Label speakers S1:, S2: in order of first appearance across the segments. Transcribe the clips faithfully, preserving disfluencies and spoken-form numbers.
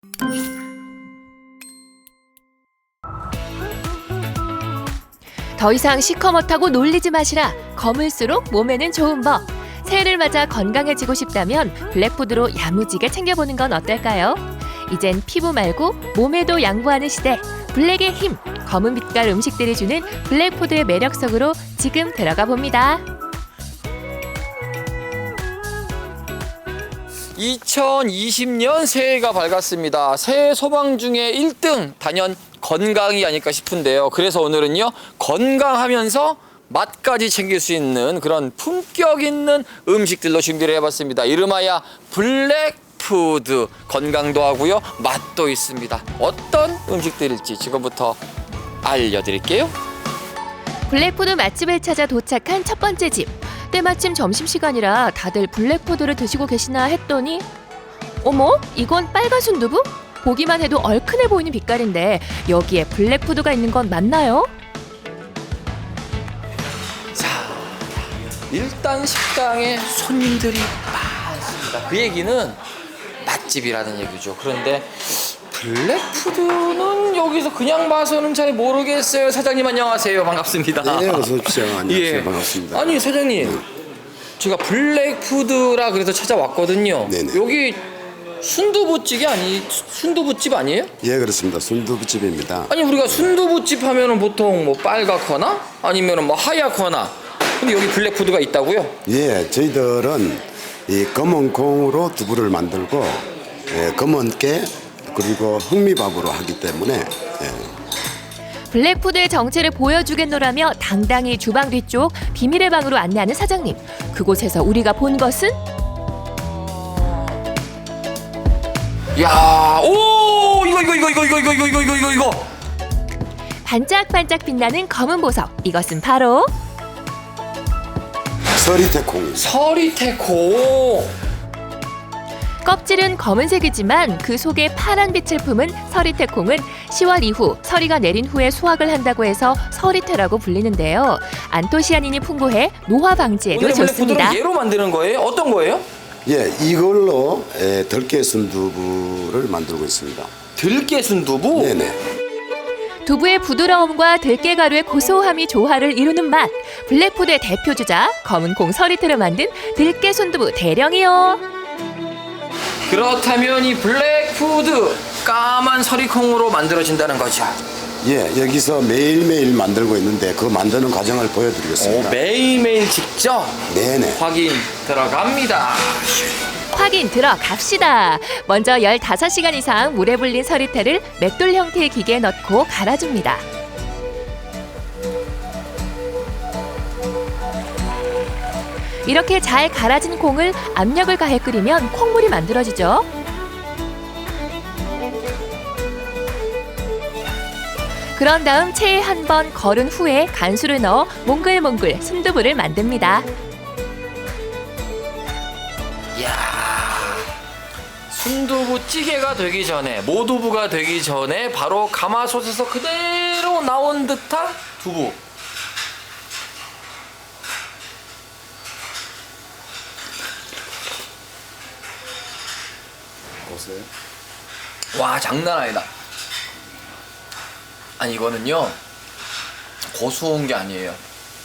S1: 더 이상 시커멓다고 놀리지 마시라. 검을수록 몸에는 좋은 법. 새해를 맞아 건강해지고 싶다면 블랙푸드로 야무지게 챙겨보는 건 어떨까요? 이젠 피부 말고 몸에도 양보하는 시대. 블랙의 힘, 검은 빛깔 음식들이 주는 블랙푸드의 매력 속으로 지금 들어가 봅니다.
S2: 이천이십 년 새해가 밝았습니다. 새해 소망 중에 일 등 단연 건강이 아닐까 싶은데요. 그래서 오늘은요, 건강하면서 맛까지 챙길 수 있는 그런 품격 있는 음식들로 준비를 해봤습니다. 이름하여 블랙푸드. 건강도 하고요, 맛도 있습니다. 어떤 음식들일지 지금부터 알려드릴게요.
S1: 블랙푸드 맛집을 찾아 도착한 첫 번째 집. 때마침 점심시간이라 다들 블랙푸드를 드시고 계시나 했더니 어머? 이건 빨간 순두부? 보기만 해도 얼큰해 보이는 빛깔인데 여기에 블랙푸드가 있는 건 맞나요?
S2: 자, 일단 식당에 손님들이 많습니다. 그 얘기는 맛집이라는 얘기죠. 그런데 블랙푸드는 여기서 그냥 봐서는 잘 모르겠어요. 사장님 안녕하세요. 반갑습니다.
S3: 네, 어서 오십시오. 안녕하세요.
S2: 예.
S3: 반갑습니다.
S2: 아니 사장님, 제가 블랙푸드라 그래서 찾아왔거든요.
S3: 네네.
S2: 여기 순두부찌개 아니 순두부집 아니에요?
S3: 예, 그렇습니다. 순두부집입니다.
S2: 아니 우리가 순두부집 하면은 보통 뭐 빨갛거나 아니면은 뭐 하얗거나, 근데 여기 블랙푸드가 있다고요?
S3: 예, 저희들은 이 검은 콩으로 두부를 만들고 예, 검은 깨 그리고 흑미밥으로 하기 때문에 예.
S1: 블랙푸드의 정체를 보여주겠노라며 당당히 주방 뒤쪽 비밀의 방으로 안내하는 사장님. 그곳에서 우리가 본 것은
S2: 야, 오, 이거 이거 이거 이거 이거 이거 이거 이거 이거 이거.
S1: 반짝반짝 빛나는 검은 보석. 이것은 바로
S3: 서리태콩입니다.
S2: 서리태콩.
S1: 껍질은 검은색이지만 그 속에 파란 빛을 품은 서리태콩은 시월 이후 서리가 내린 후에 수확을 한다고 해서 서리태라고 불리는데요. 안토시아닌이 풍부해 노화 방지에도
S2: 오늘
S1: 좋습니다.
S2: 블랙푸드는 얘로 만드는 거예요? 어떤 거예요?
S3: 예, 이걸로 예, 들깨 순두부를 만들고 있습니다.
S2: 들깨 순두부?
S3: 네네.
S1: 두부의 부드러움과 들깨가루의 고소함이 조화를 이루는 맛. 블랙푸드의 대표 주자 검은 콩 서리태로 만든 들깨 순두부 대령이요.
S2: 그렇다면 이 블랙푸드 까만 서리콩으로 만들어진다는 거죠.
S3: 예, 여기서 매일매일 만들고 있는데 그 만드는 과정을
S2: 오,
S3: 보여드리겠습니다.
S2: 매일매일 직접
S3: 네네.
S2: 확인 들어갑니다.
S1: 확인 들어갑시다. 먼저 열다섯 시간 이상 물에 불린 서리태를 맷돌 형태의 기계에 넣고 갈아줍니다. 이렇게 잘 갈아진 콩을 압력을 가해 끓이면 콩물이 만들어지죠. 그런 다음 체에 한 번 걸은 후에 간수를 넣어 몽글몽글 순두부를 만듭니다.
S2: 이야, 순두부 찌개가 되기 전에, 모두부가 되기 전에 바로 가마솥에서 그대로 나온 듯한 두부.
S3: 보세요.
S2: 와, 장난 아니다. 아니 이거는요, 고소한 게 아니에요.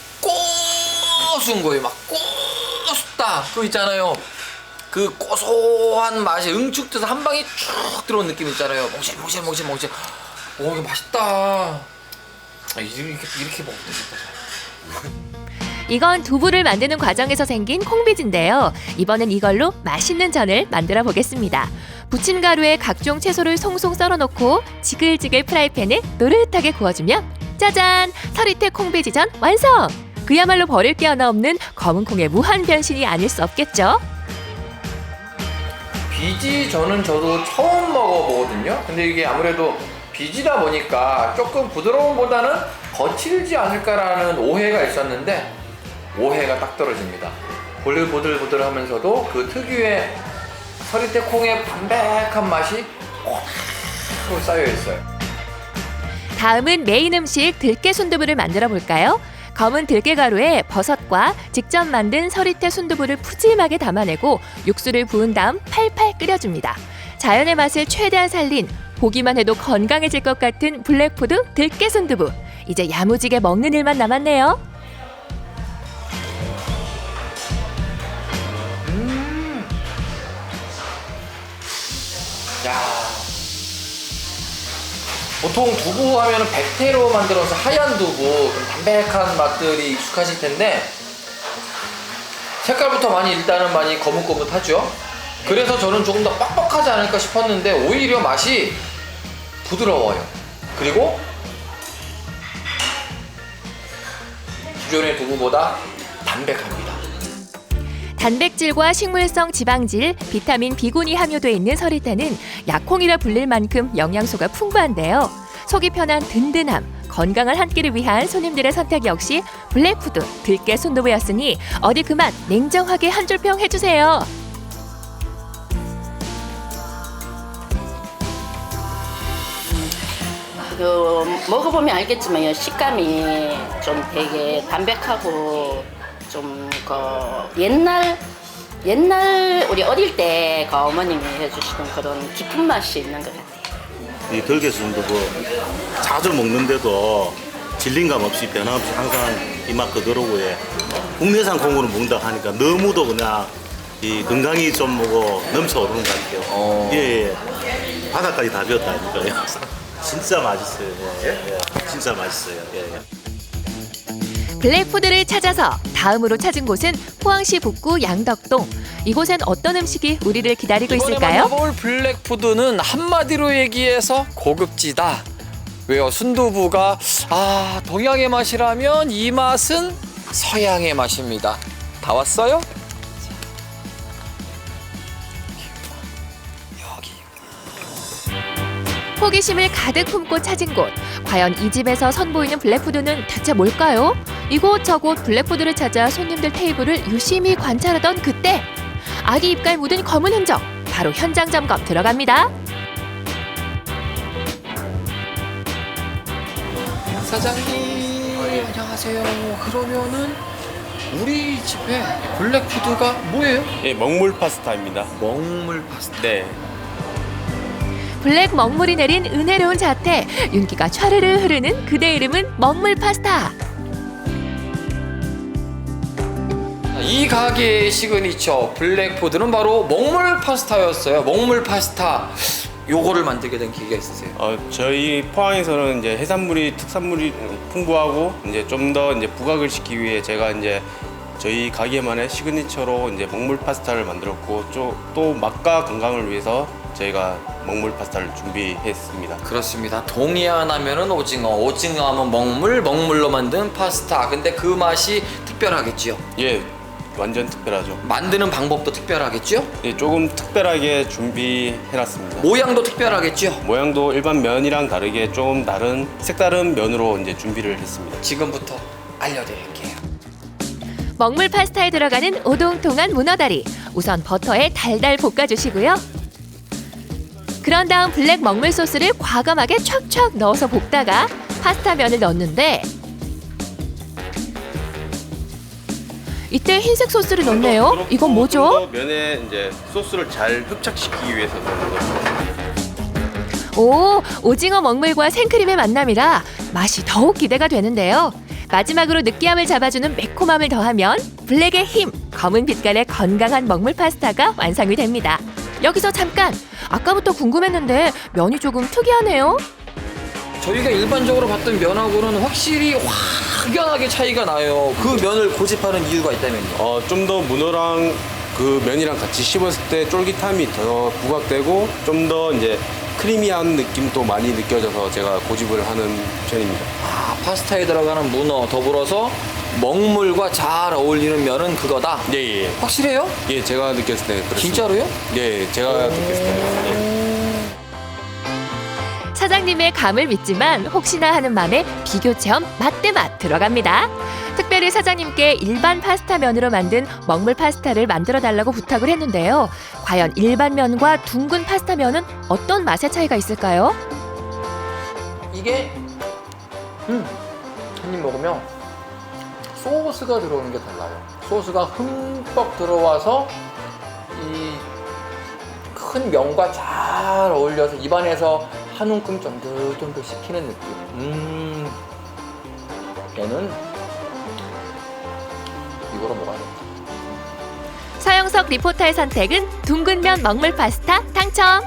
S2: 고소한 거예요. 막 고소다 그거 있잖아요. 그 고소한 맛이 응축돼서 한 방에 쭉 들어온 느낌 있잖아요. 몽실 몽실 몽실 몽실. 오, 이거 맛있다. 아, 이렇게 이렇게 먹으면 되겠다.
S1: 이건 두부를 만드는 과정에서 생긴 콩비지인데요. 이번엔 이걸로 맛있는 전을 만들어 보겠습니다. 부침 가루에 각종 채소를 송송 썰어놓고 지글지글 프라이팬에 노릇하게 구워주면 짜잔! 서리태 콩비지전 완성! 그야말로 버릴 게 하나 없는 검은 콩의 무한 변신이 아닐 수 없겠죠?
S2: 비지 저는 저도 처음 먹어보거든요. 근데 이게 아무래도 비지다 보니까 조금 부드러움보다는 거칠지 않을까라는 오해가 있었는데 오해가 딱 떨어집니다. 보들보들보들하면서도 그 특유의 서리태 콩의 담백한 맛이 꽉 쌓여 있어요.
S1: 다음은 메인 음식 들깨 순두부를 만들어 볼까요? 검은 들깨 가루에 버섯과 직접 만든 서리태 순두부를 푸짐하게 담아내고 육수를 부은 다음 팔팔 끓여줍니다. 자연의 맛을 최대한 살린 보기만 해도 건강해질 것 같은 블랙푸드 들깨 순두부. 이제 야무지게 먹는 일만 남았네요.
S2: 야, 보통 두부 하면은 백태로 만들어서 하얀 두부, 좀 담백한 맛들이 익숙하실 텐데 색깔부터 많이 일단은 많이 거뭇거뭇하죠. 그래서 저는 조금 더 뻑뻑하지 않을까 싶었는데 오히려 맛이 부드러워요. 그리고 기존의 두부보다 담백합니다.
S1: 단백질과 식물성 지방질, 비타민 B군이 함유돼 있는 서리태는 약콩이라 불릴 만큼 영양소가 풍부한데요. 속이 편한 든든함, 건강한 한 끼를 위한 손님들의 선택 역시 블랙푸드 들깨 순두부였으니 어디 그만 냉정하게 한 줄 평 해주세요.
S4: 그 먹어보면 알겠지만 식감이 좀 되게 담백하고 좀 그 옛날 옛날 우리 어릴 때 그 어머님이 해주시던 그런 깊은 맛이 있는 것 같아요.
S5: 이 들깨 순두부 자주 먹는데도 질린감 없이 변함없이 항상 이 맛 그대로고 예. 국내산 콩으로 먹는다 하니까 너무도 그냥 이 건강이 좀 뭐고 넘쳐오르는 것 같아요.
S2: 어.
S5: 예, 예. 바닥까지 다 비었다니까요. 진짜 맛있어요. 예, 예. 진짜 맛있어요. 예, 예.
S1: 블랙푸드를 찾아서 다음으로 찾은 곳은 포항시 북구 양덕동. 이곳엔 어떤 음식이 우리를 기다리고
S2: 이번에
S1: 있을까요?
S2: 만나볼 블랙푸드는 한마디로 얘기해서 고급지다. 왜요? 순두부가 아 동양의 맛이라면 이 맛은 서양의 맛입니다. 다 왔어요? 여기.
S1: 호기심을 가득 품고 찾은 곳. 과연 이 집에서 선보이는 블랙푸드는 대체 뭘까요? 이곳저곳 블랙푸드를 찾아 손님들 테이블을 유심히 관찰하던 그때 아기 입갈 묻은 검은 흔적. 바로 현장 점검 들어갑니다.
S2: 사장님 안녕하세요. 그러면은 우리 집에 블랙푸드가 뭐예요?
S6: 예, 먹물 파스타입니다.
S2: 먹물 파스타.
S6: 네.
S1: 블랙 먹물이 내린 은혜로운 자태. 윤기가 촤르르 흐르는 그대 이름은 먹물 파스타.
S2: 이 가게의 시그니처 블랙푸드는 바로 먹물 파스타였어요. 먹물 파스타. 요거를 만들게 된 계기가 있으세요?
S6: 어, 저희 포항에서는 이제 해산물이 특산물이 풍부하고 이제 좀 더 이제 부각을 시키기 위해 제가 이제 저희 가게만의 시그니처로 이제 먹물 파스타를 만들었고 또, 또 맛과 건강을 위해서 저희가 먹물 파스타를 준비했습니다.
S2: 그렇습니다. 동해안 하면은 오징어, 오징어 하면 먹물, 먹물로 만든 파스타. 근데 그 맛이 특별하겠지요?
S6: 예, 완전 특별하죠.
S2: 만드는 방법도 특별하겠죠?
S6: 예, 조금 특별하게 준비해놨습니다.
S2: 모양도 특별하겠죠?
S6: 모양도 일반 면이랑 다르게 좀 다른 색다른 면으로 이제 준비를 했습니다.
S2: 지금부터 알려드릴게요.
S1: 먹물 파스타에 들어가는 오동통한 문어다리. 우선 버터에 달달 볶아주시고요. 그런 다음 블랙 먹물 소스를 과감하게 촥촥 넣어서 볶다가 파스타 면을 넣는데 이때 흰색 소스를 넣네요. 이건 뭐죠?
S6: 좀더 면에 이제 소스를 잘 흡착시키기 위해서 넣는 거죠.
S1: 오, 오징어 먹물과 생크림의 만남이라 맛이 더욱 기대가 되는데요. 마지막으로 느끼함을 잡아주는 매콤함을 더하면 블랙의 힘, 검은 빛깔의 건강한 먹물 파스타가 완성이 됩니다. 여기서 잠깐! 아까부터 궁금했는데 면이 조금 특이하네요.
S2: 저희가 일반적으로 봤던 면하고는 확실히 확연하게 차이가 나요. 그 면을 고집하는 이유가 있다면요?
S6: 어, 좀 더 문어랑 그 면이랑 같이 씹었을 때 쫄깃함이 더 부각되고 좀 더 이제 크리미한 느낌도 많이 느껴져서 제가 고집을 하는 편입니다.
S2: 아, 파스타에 들어가는 문어 더불어서 먹물과 잘 어울리는 면은 그거다.
S6: 예, 예.
S2: 확실해요?
S6: 예, 제가 느꼈을 때 그렇습니다.
S2: 진짜로요?
S6: 예, 제가 느꼈을 때. 예.
S1: 사장님의 감을 믿지만 혹시나 하는 맘에 비교 체험 맛대맛 들어갑니다. 특별히 사장님께 일반 파스타 면으로 만든 먹물 파스타를 만들어 달라고 부탁을 했는데요. 과연 일반 면과 둥근 파스타 면은 어떤 맛의 차이가 있을까요?
S2: 이게 음, 한 입 먹으면 소스가 들어오는 게 달라요. 소스가 흠뻑 들어와서 이 큰 면과 잘 어울려서 입안에서 한 움큼 쫀득쫀득 식히는 느낌. 음, 얘는 이거로 먹어야겠다.
S1: 서영석 리포터의 선택은 둥근면 먹물 파스타 당첨!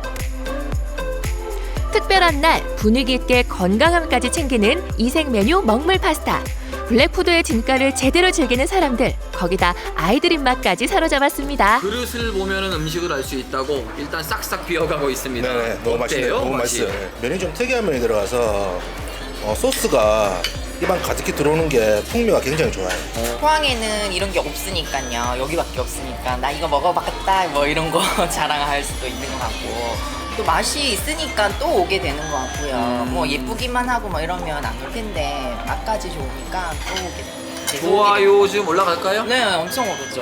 S1: 특별한 날 분위기 있게 건강함까지 챙기는 이색 메뉴 먹물 파스타. 블랙푸드의 진가를 제대로 즐기는 사람들, 거기다 아이들 입맛까지 사로잡았습니다.
S2: 그릇을 보면은 음식을 알 수 있다고 일단 싹싹 비어가고 있습니다.
S7: 네네, 너무 맛있네요. 너무
S2: 맛이?
S7: 맛있어요. 네. 면이 좀 특이한 면이 들어가서 어, 소스가 입안 가득히 들어오는 게 풍미가 굉장히 좋아요.
S8: 포항에는 이런 게 없으니까요. 여기밖에 없으니까 나 이거 먹어봤다 뭐 이런 거 자랑할 수도 있는 것 같고 또 맛이 있으니까 또 오게 되는 것 같고요.
S2: 음.
S8: 뭐 예쁘기만 하고 뭐 이러면 안 올 텐데 맛까지 좋으니까 또 오게 됩니다. 계속 오게
S2: 좋아요 좀 올라갈까요?
S8: 됩니다. 네, 엄청 오르죠.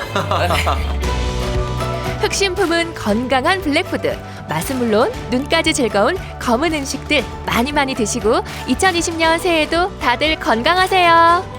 S1: 흑심품은 건강한 블랙푸드. 맛은 물론 눈까지 즐거운 검은 음식들 많이 많이 드시고 이천이십 년 새해에도 다들 건강하세요.